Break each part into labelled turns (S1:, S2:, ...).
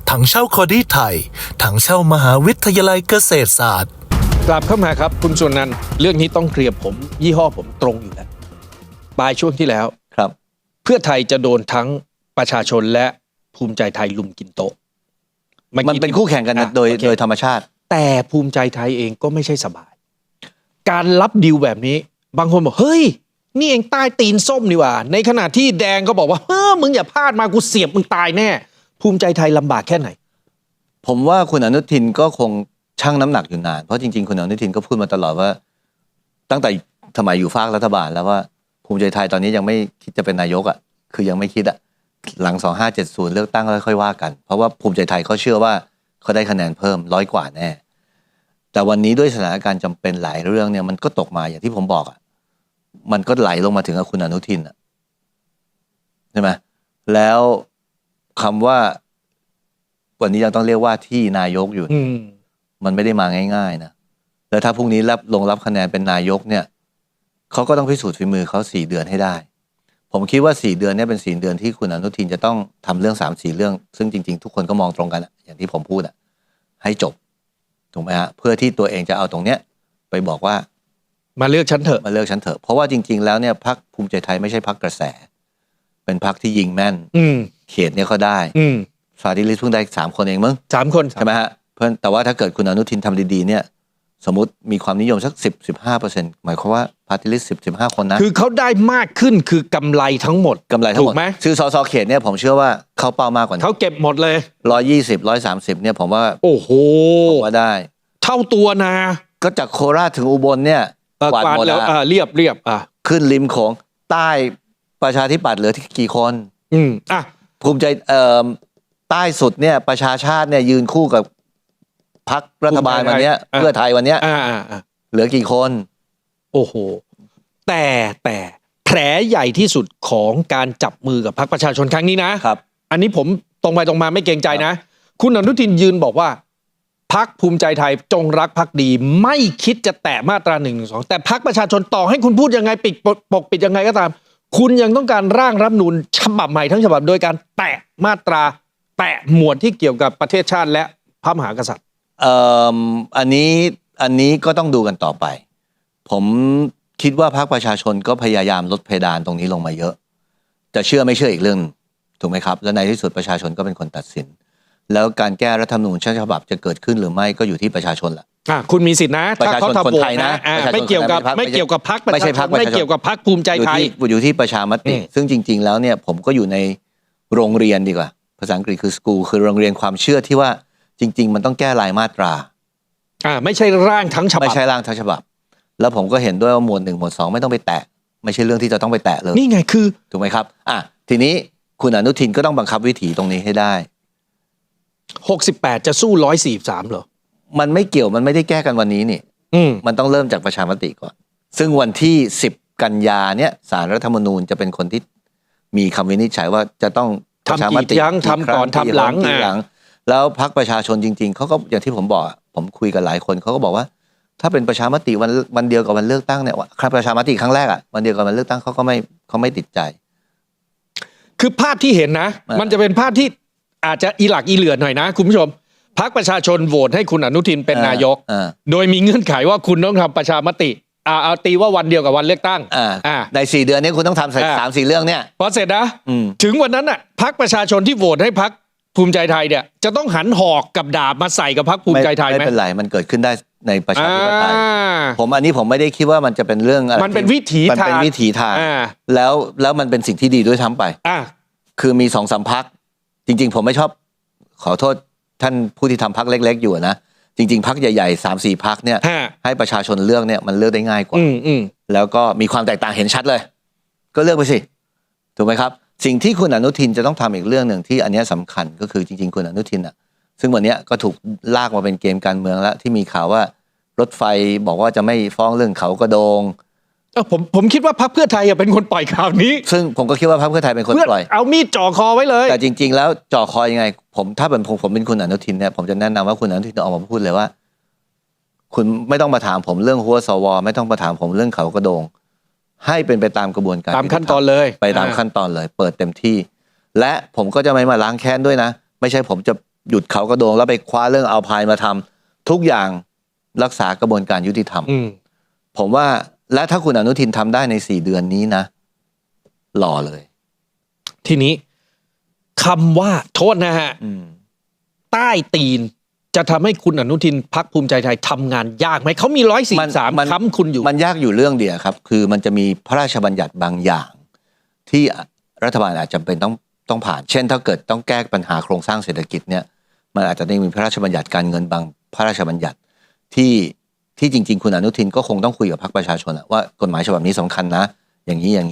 S1: ถังเช่าคอดี้ไทยถังเช่ามหาวิทยาลัยเกษตรศาสตร์
S2: กลับเข้ามาครับคุณสุนันท์เรื่องนี้ต้องเคลียร์ผมยี่ห้อผมตรงอยู่แล้วปลายช่วงที่แล้ว
S3: ครับ
S2: เพื่อไทยจะโดนทั้งประชาชนและภูมิใจไทยลุมกินโต๊ะ
S3: มันเป็นคู่แข่งกันโดยธรรมชาติ
S2: แต่ภูมิใจไทยเองก็ไม่ใช่สบายการรับดีลแบบนี้บางคนบอกเฮ้ยนี่เองใต้ตีนส้มนี่หว่าในขณะที่แดงก็บอกว่ามึงอย่าพลาดมากูเสียบมึงตายแน่ภูมิใจไทยลำบากแค่ไหน
S3: ผมว่าคุณอนุทินก็คงชั่งน้ำหนักอยู่นานเพราะจริงๆคุณอนุทินก็พูดมาตลอดว่าตั้งแต่สมัยอยู่ฝากรัฐบาลแล้วว่าภูมิใจไทยตอนนี้ยังไม่คิดจะเป็นนายกอ่ะคือยังไม่คิดอ่ะหลัง2570เลือกตั้งแล้วค่อยว่ากันเพราะว่าภูมิใจไทยเขาเชื่อว่าเขาได้คะแนนเพิ่ม100 กว่าแน่แต่วันนี้ด้วยสถานการณ์จำเป็นหลายเรื่องเนี่ยมันก็ตกมาอย่างที่ผมบอกอ่ะมันก็ไหลลงมาถึงกับคุณอนุทินอ่ะใช่ไหมแล้วคำว่าวันนี้ยังต้องเรียกว่าที่นายกอยู่มันไม่ได้มาง่ายๆนะแล้วถ้าพรุ่งนี้รับคะแนนเป็นนายกเนี่ยเขาก็ต้องพิสูจน์ฝีมือเขา4 เดือนให้ได้ผมคิดว่า4 เดือนเนี่ยเป็น4 เดือนที่คุณอนุทินจะต้องทำเรื่อง3-4 เรื่องซึ่งจริงๆทุกคนก็มองตรงกันอย่างที่ผมพูดให้จบถูกไหมฮะเพื่อที่ตัวเองจะเอาตรงเนี้ยไปบอกว่า
S2: มาเลือกฉันเถอะ
S3: เพราะว่าจริงๆแล้วเนี่ยพรรคภูมิใจไทยไม่ใช่พรรคกระแสเป็นพรรคที่ยิงแม่นเขตเนี่ยเขาได้ฟาดิลิสเพิ่งได้3 คนเองมั้ง
S2: 3 คน
S3: ใช่ไหมฮะเพื่อนแต่ว่าถ้าเกิดคุณอนุทินทำดีๆเนี่ยสมมติมีความนิยมสัก10-15%หมายความว่าพาร์ตี้ลิสต์10-15 คนนะ
S2: คือเขาได้มากขึ้นคือกำไรทั้งหมด
S3: ถูกไหมคือสสเขตเนี่ยผมเชื่อว่าเขาเป้ามากกว่า
S2: เขาเก็บหมดเลย
S3: 120-130เนี่ยผมว่า
S2: โอ้โห
S3: ผมว่าได้
S2: เท่าตัวนะ
S3: ก็จากโคราชถึงอุบลเนี่ย
S2: กวาดหมดแล้วเรียบ
S3: ขึ้นริมโขงใต้ประชาธิปัตย์เหลือที่กี่คนภูมิใจใต้สุดเนี่ยประชาชาติเนี่ยยืนคู่กับพรรครัฐบาลวันนี้เพื่อไทยวันนี้เหลือกี่คน
S2: โอ้โหแต่แผลใหญ่ที่สุดของการจับมือกับพรรคประชาชนครั้งนี้นะครับอันนี้ผมตรงไปตรงมาไม่เกรงใจนะคุณอนุทินยืนบอกว่าพรรคภูมิใจไทยจงรักภักดีไม่คิดจะแตะมาตรา112แต่พรรคประชาชนต่อให้คุณพูดยังไงปกปิดยังไงก็ตามคุณยังต้องการร่างรัฐธรรมนูญฉบับใหม่ทั้งฉบับโดยการแตะมาตราแตะหมวดที่เกี่ยวกับประเทศชาติและพระมหากษัตริย์
S3: อันนี้ก็ต้องดูกันต่อไปผมคิดว่าพรรคประชาชนก็พยายามลดเพดานตรงนี้ลงมาเยอะจะเชื่อไม่เชื่ออีกเรื่องถูกไหมครับและในที่สุดประชาชนก็เป็นคนตัดสินแล้วการแก้รัฐธรรมนูญฉบับจะเกิดขึ้นหรือไม่ก็อยู่ที่ประชาชนแหละ
S2: คุณมีสิทธินะ
S3: ถ้าเขาทำโหวตนะ
S2: ไม่เกี่ยวกับพรรคไม่เกี่ยวกับพรรคภูมิใจไทย
S3: อยู่ที่ประชามติซึ่งจริงๆแล้วเนี่ยผมก็อยู่ในโรงเรียนดีกว่าภาษาอังกฤษคือ school คือโรงเรียนความเชื่อที่ว่าจริงๆมันต้องแก้รายมาตรา
S2: ไม่ใช่ร่างทั้งฉบับ
S3: ไม่ใช่ร่างทั้งฉบับแล้วผมก็เห็นด้วยว่าหมวด 1 หมวด 2ไม่ต้องไปแตะไม่ใช่เรื่องที่จะต้องไปแตะเลย
S2: นี่ไงคือ
S3: ถูกไหมครับทีนี้คุณอนุทินก็ต้องบังคับวิถีตรงนี้ให้ได้
S2: 68จะสู้143เหรอ
S3: มันไม่เกี่ยวมันไม่ได้แก้กันวันนี้นี่มันต้องเริ่มจากประชามติก่อนซึ่งวันที่10 กันยาเนี่ยศาลรัฐธรรมนูญจะเป็นคนที่มีคำวินิจฉัยว่าจะต้อง
S2: ประชามติทำก่อนทำหลัง
S3: แล้วพรรคประชาชนจริงๆเขาก็อย่างที่ผมบอกผมคุยกับหลายคนเขาก็บอกว่าถ้าเป็นประชามติวันเดียวกับวันเลือกตั้งเนี่ยครับประชามติครั้งแรกวันเดียวกับวันเลือกตั้งเขาไม่ติดใจ
S2: คือภาพที่เห็นนะมันจะเป็นภาพที่อาจจะอีหลักอีเหลือหน่อยนะคุณผู้ชมพรรคประชาชนโหวตให้คุณอนุทินเป็นนายกโดยมีเงื่อนไขว่าคุณต้องทำประชามติเอาตีว่าวันเดียวกับวันเลือกตั้ง
S3: ใน4 เดือนนี้คุณต้องทำ3-4 เรื่องเนี่ย
S2: พอเสร็จนะถึงวันนั้นพรรคประชาชนที่โหวตให้พรรคภูมิใจไทยเนี่ยจะต้องหันหอกกับดาบมาใส่กับพรรคภูมิใจไทยไหม
S3: ไม่เป็นไรมันเกิดขึ้นได้ในประชาธิปไตยอันนี้ผมไม่ได้คิดว่ามันจะเป็นเรื่องอะไร
S2: มันเป็นวิถีทาง
S3: แล้วมันเป็นสิ่งที่ดีด้วยทั้งไปคือมี2-3 พรรคจริงๆผมไม่ชอบขอโทษท่านผู้ที่ทำพรรคเล็กๆอยู่นะจริงๆพรรคใหญ่ๆ3-4 พรรคเนี่ยให้ประชาชนเลือกเนี่ยมันเลือกได้ง่ายกว่าแล้วก็มีความแตกต่างเห็นชัดเลยก็เลือกไปสิถูกไหมครับสิ่งที่คุณอนุทินจะต้องทำอีกเรื่องหนึ่งที่อันนี้สำคัญก็คือจริงๆคุณอนุทินซึ่งวันนี้ก็ถูกลากมาเป็นเกมการเมืองแล้วที่มีข่าวว่ารถไฟบอกว่าจะไม่ฟ้องเรื่องเขากระโดง
S2: ผมคิดว่าพรรคเพื่อไทยเป็นคนปล่อยข่าวนี้
S3: ซึ่งผมก็คิดว่าพรรคเพื่อไทยเป็นคนปล่อย
S2: เอามีดจ่อคอไว้เลย
S3: แต่จริงๆแล้วจ่อคอยังไงถ้าเป็นผมเป็นคุณอนุทินเนี่ยผมจะแนะนำว่าคุณอนุทินออกมาพูดเลยว่าคุณไม่ต้องมาถามผมเรื่องหัวสวไม่ต้องมาถามผมเรื่องเขากระโดงให้เป็นไปตามกระบวนการ
S2: ตามขั้นตอนเลย
S3: ไปตามขั้นตอนเลยเปิดเต็มที่และผมก็จะไม่มาล้างแค้นด้วยนะไม่ใช่ผมจะหยุดเขากระโดงแล้วไปคว้าเรื่องเอาพายมาทำทุกอย่างรักษากระบวนการยุติธรรมผมว่าและถ้าคุณอนุทินทำได้ใน4 เดือนนี้นะหล่อเลย
S2: ทีนี้คำว่าโทษนะฮะใต้ตีนจะทำให้คุณอนุทินพรรคภูมิใจไทยทำงานยากไหมเขามี143ค้ำคุณอยู่
S3: มันยากอยู่เรื่องเดียวครับคือมันจะมีพระราชบัญญัติบางอย่างที่รัฐบาลอาจจะเป็นต้องผ่านเช่นถ้าเกิดต้องแก้ปัญหาโครงสร้างเศรษฐกิจเนี่ยมันอาจจะได้มีพระราชบัญญัติการเงินบางพระราชบัญญัติที่จริงๆคุณอนุทินก็คงต้องคุยกับพรรคประชาชนว่ากฎหมายฉบับนี้สำคัญนะอย่างนี้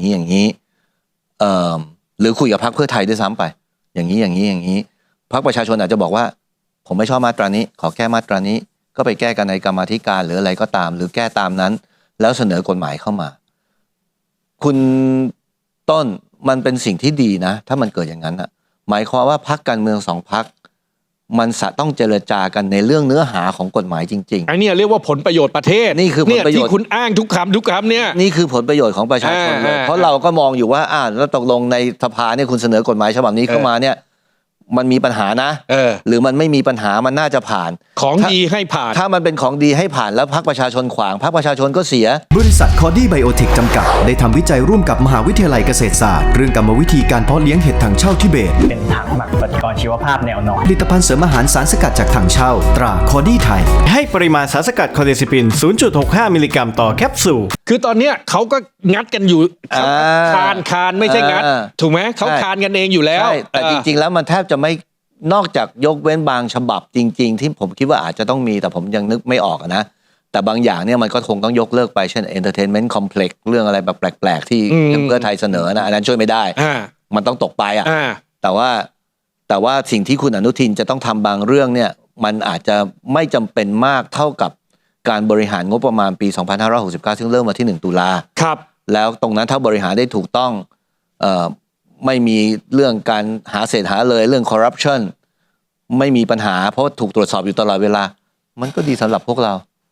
S3: หรือคุยกับพรรคเพื่อไทยด้วยซ้ำไปอย่างนี้พรรคประชาชนอาจจะบอกว่าผมไม่ชอบมาตรานี้ขอแก้มาตรานี้ก็ไปแก้กันในกรรมาธิการหรืออะไรก็ตามหรือแก้ตามนั้นแล้วเสนอกฎหมายเข้ามาคุณต้นมันเป็นสิ่งที่ดีนะถ้ามันเกิดอย่างนั้นอะหมายความว่าพรรคการเมือง2 พรรคมันต้องเจรจากันในเรื่องเนื้อหาของกฎหมายจริงๆ
S2: ไอ้นี่เรียกว่าผลประโยชน์ประเทศ
S3: นี่คือผลประโยชน์
S2: ที่คุณอ้างทุกคำเนี่ย
S3: นี่คือผลประโยชน์ของประชาชนเลยเพราะเราก็มองอยู่ว่าแล้วตกลงในสภาเนี่ยคุณเสนอกฎหมายฉบับนี้เข้ามาเนี่ยมันมีปัญหานะหรือมันไม่มีปัญหามันน่าจะผ่าน
S2: ของดีให้ผ่าน
S3: ถ้ามันเป็นของดีให้ผ่านแล้วพรรคประชาชนขวางพรรคประชาชนก็เสีย
S4: บริษัทคอดี้ไบโอเทคจำกัดได้ทำวิจัยร่วมกับมหาวิทยาลัยเกษตรศาสตร์เรื่องกรรมวิธีการเพาะเลี้ยงเห็ดถังเช่าทิเบต
S5: เป็นถังหมักปฏิกรณ์ชีวภาพแนวนอน
S4: ผลิตภัณฑ์เสริมอาหารสารสกัดจากถังเช่าตราคอดี้ไทย
S6: ให้ปริมาณสารสกัดคอเดซิปิน 0.65 มิลลิกรัมต่อแคปซูล
S2: คือตอนเนี้ยเขาก็งัดกันอยู่คานไม่ใช่งัดถูกไหมเขาคานกันเองอยู่แล้ว
S3: แต่จริงๆแล้วมันแทบจะไม่นอกจากยกเว้นบางฉบับจริงๆที่ผมคิดว่าอาจจะต้องมีแต่ผมยังนึกไม่ออกนะแต่บางอย่างเนี่ยมันก็คงต้องยกเลิกไปเช่น Entertainment Complex เรื่องอะไรแบบแปลกๆที่เพื่อไทยเสนอนะอันนั้นช่วยไม่ได้มันต้องตกไปแต่ว่าสิ่งที่คุณอนุทินจะต้องทำบางเรื่องเนี่ยมันอาจจะไม่จำเป็นมากเท่ากับการบริหารงบประมาณปี2569ซึ่งเริ่มมาที่1 ตุลา
S2: ครับ
S3: แล้วตรงนั้นถ้าบริหารได้ถูกต้องไม่มีเรื่องการหาเศษหาเลยเรื่องคอร์รัปชันไม่มีปัญหาเพราะถูกตรวจสอบอยู่ตลอดเวลามันก็ดีสำหรับพวกเรา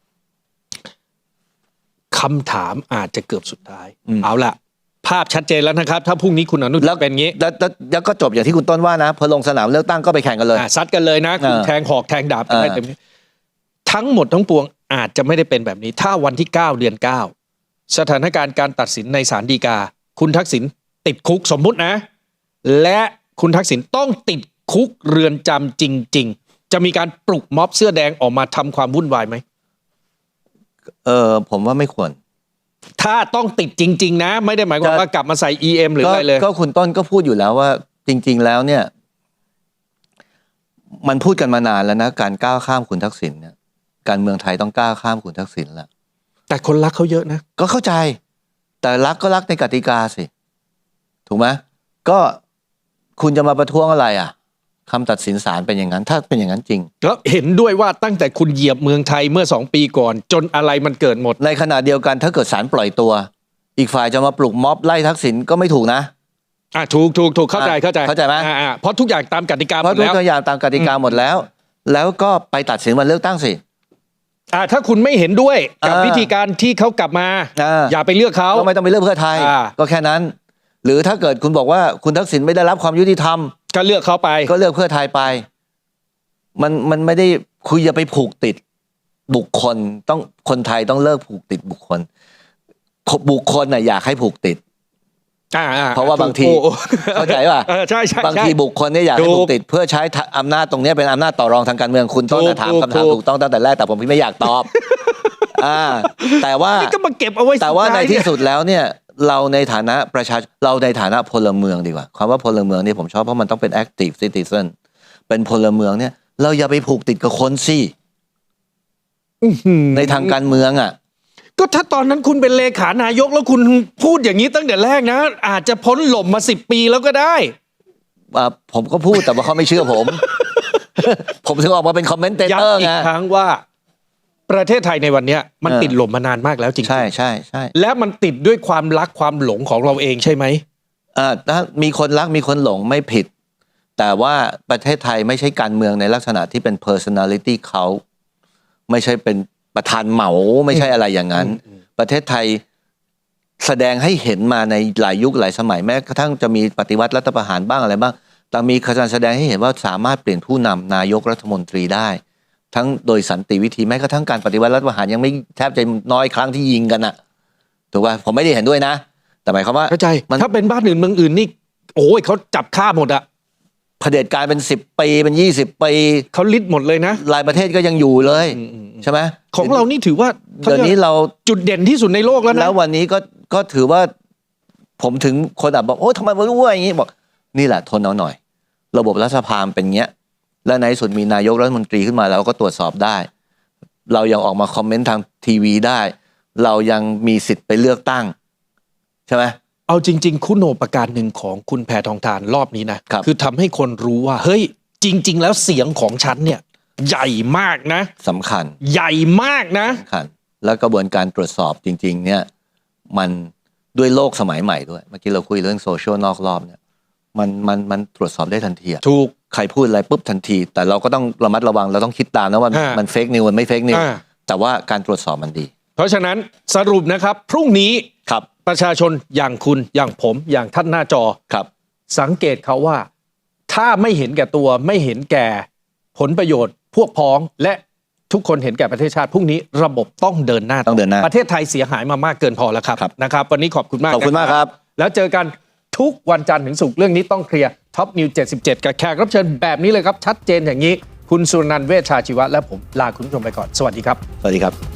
S2: คำถามอาจจะเกือบสุดท้ายเอาล่ะภาพชัดเจนแล้วนะครับถ้าพรุ่งนี้คุณอนุทินเป็นงี้
S3: แล้วก็จบอย่างที่คุณต้นว่านะพอลงสนามเลือกตั้งก็ไปแข่งกันเลย
S2: ซัดกันเลยนะคุณแทงหอกแทงดาบกันได้เต็มที่ทั้งหมดทั้งปวงอาจจะไม่ได้เป็นแบบนี้ถ้าวันที่9 เดือน 9สถานการณ์การตัดสินในศาลฎีกาคุณทักษิณติดคุกสมมุตินะและคุณทักษิณต้องติดคุกเรือนจำจริงๆจะมีการปลุกม็อบเสื้อแดงออกมาทำความวุ่นวายไหม
S3: ผมว่าไม่ควร
S2: ถ้าต้องติดจริงๆนะไม่ได้หมายความว่ากลับมาใส่ EM หรืออะไรเลย
S3: ก็คุณต้นก็พูดอยู่แล้วว่าจริงๆแล้วเนี่ยมันพูดกันมานานแล้วนะการก้าวข้ามคุณทักษิณเนี่ยการเมืองไทยต้องก้าวข้ามคุณทักษิณแล้ว
S2: แต่คนรักเขาเยอะนะ
S3: ก็เข้าใจแต่รักก็รักในกติกาสิถูกไหมก็คุณจะมาประท้วงอะไรคำตัดสินศาลเป็นอย่างนั้นถ้าเป็นอย่างนั้นจริง
S2: แล้วเห็นด้วยว่าตั้งแต่คุณเหยียบเมืองไทยเมื่อ2 ปีก่อนจนอะไรมันเกิดหมด
S3: ในขณะเดียวกันถ้าเกิดศาลปล่อยตัวอีกฝ่ายจะมาปลุกม็อบไล่ทักษิณก็ไม่ถูกนะ
S2: ถูกเข้าใจ
S3: ไหม
S2: เพราะทุกอย่างตามกติกาหมดแล้ว
S3: เพราะทุกอย่างตามกติกาหมดแล้วแล้วก็ไปตัดสินวันเลือกตั้งสิ
S2: ถ้าคุณไม่เห็นด้วยกับวิธีการที่เขากลับมาอย่าไปเลือกเขา
S3: ก็ไม่ต้องไปเลือกเพื่อไทยก็แค่นั้นหรือถ้าเกิดคุณบอกว่าคุณทักษิณไม่ได้รับความยุติธรรม
S2: ก็เลือกเขาไป
S3: ก็เลือกเพื่อไทยไปมันไม่ได้คุยอย่าไปผูกติดบุคคลต้องคนไทยต้องเลิกผูกติดบุคคลอยากให้ผูกติดเพราะว่าบางทีเข้าใจป่ะ
S2: ใช่
S3: บางทีบุคคลเนี่ยอยากให้ผูกติดเพื่อใช้อำนาจตรงนี้เป็นอำนาจต่อรองทางการเมืองคุณต้องถามคำถามถูกต้องตั้งแต่แรกแต่ผมไม่อยากตอบแต่ว่า
S2: ก็มาเก็บเอาไว้
S3: แต่ว่าในที่สุดแล้วเนี่ยเราในฐานะเราในฐานะพลเมืองดีกว่าคำว่าพลเมืองนี่ผมชอบเพราะมันต้องเป็น active citizen เป็นพลเมืองเนี่ยเราอย่าไปผูกติดกับคนสิในทางการเมือง
S2: ก็ถ้าตอนนั้นคุณเป็นเลขานายกแล้วคุณพูดอย่างนี้ตั้งแต่แรกนะอาจจะพ้นหล่มมา10 ปีแล้วก็ได้
S3: ผมก็พูดแต่ว่าเขาไม่เชื่อผม ผมถึงออกมาเป็นคอมเมนเตเตอร์ไง
S2: ย้ำอีกครั้งว่าประเทศไทยในวันนี้มันติดหล่มมานานมากแล้วจริง
S3: ๆใช่
S2: และมันติดด้วยความรักความหลงของเราเองใช่ไหม
S3: ถ้ามีคนรักมีคนหลงไม่ผิดแต่ว่าประเทศไทยไม่ใช่การเมืองในลักษณะที่เป็น personality เขาไม่ใช่เป็นประธานเหมาไม่ใช่อะไรอย่างนั้นประเทศไทยแสดงให้เห็นมาในหลายยุคหลายสมัยแม้กระทั่งจะมีปฏิวัติรัฐประหารบ้างอะไรบ้างแต่มีการแสดงให้เห็นว่าสามารถเปลี่ยนผู้นำนายกรัฐมนตรีได้ ทั้งโดยสันติวิธีแม้กระทั่งการปฏิวัติรัฐประหารยังไม่แทบจะน้อยครั้งที่ยิงกันอะถูกป่ะผมไม่ได้เห็นด้วยนะ แต่หมายความว่า
S2: เข้าใจ
S3: มัน
S2: ถ้าเป็นบ้านอื่นเมืองอื่นนี่โอ้ยเขาจับฆ่าหมดอะ
S3: เผด็จการเป็น10 ปีเป็น20 ปี
S2: เขาลิดหมดเลยนะ
S3: หลายประเทศก็ยังอยู่เลยใช่ไหม
S2: ของเรานี่ถือว่า
S3: เดี๋ยวนี้เรา
S2: จุดเด่นที่สุดในโลกแล้วนะ
S3: แล้ววันนี้ก็ถือว่าผมถึงคนอ่ะบอกโอ้ทำไมมันอ้วนอย่างนี้บอกนี่แหละทนเอาหน่อย ระบบรัฐสภาเป็นเงี้ยและในที่สุดมีนายกรัฐมนตรีขึ้นมาแล้วก็ตรวจสอบได้ เรายังออกมาคอมเมนต์ทางทีวีได้ เรายังมีสิทธิ์ไปเลือกตั้งใช่ไหม
S2: เอาจริง ๆ คุณโอประการหนึ่งของคุณแพทองธารรอบนี้นะครับ อทำให้คนรู้ว่าเฮ้ยจริง ๆ แล้วเสียงของฉันเนี่ยใหญ่มากนะ
S3: สำคัญ
S2: ใหญ่มากนะ
S3: สำคัญแล้วกระบวนการตรวจสอบจริง ๆ เนี่ยมันด้วยโลกสมัยใหม่ด้วยเมื่อกี้เราคุยเรื่องโซเชียลนอกรอบเนี่ยมันตรวจสอบได้ทันทีอะ
S2: ถูก
S3: ใครพูดอะไรปุ๊บทันที แต่เราก็ต้องระมัดระวังเราต้องคิดตามนะว่า
S2: อ่ามั
S3: มันเฟกนิวมันไม่เฟกนิว
S2: อ่า
S3: แต่ว่าการตรวจสอบมันดี
S2: เพราะฉะนั้นสรุปนะครับพรุ่งนี้
S3: ครับ
S2: ประชาชนอย่างคุณอย่างผมอย่างท่านหน้าจอ
S3: ครับ
S2: สังเกตเขาว่าถ้าไม่เห็นแก่ตัวไม่เห็นแก่ผลประโยชน์พวกพ้องและทุกคนเห็นแก่ประเทศชาติพรุ่งนี้ระบบต้องเดินหน้า
S3: ต้องเดินหน้า
S2: ประเทศไทยเสียหายมามากเกินพอแล้วครับ
S3: ครับ
S2: นะครับ วันนี้ขอบคุณมาก
S3: ขอบคุณมาก
S2: นะครับ แล้วเจอกันทุกวันจันทร์ถึงศุกร์เรื่องนี้ต้องเคลียร์ท็อปนิว77 กับแขกรับเชิญแบบนี้เลยครับชัดเจนอย่างนี้ คุณสุนันท์เวชชาชีวะและผมลาคุณผู้ชมไปก่อนสวัสดีครับ
S3: สวัสดีครับ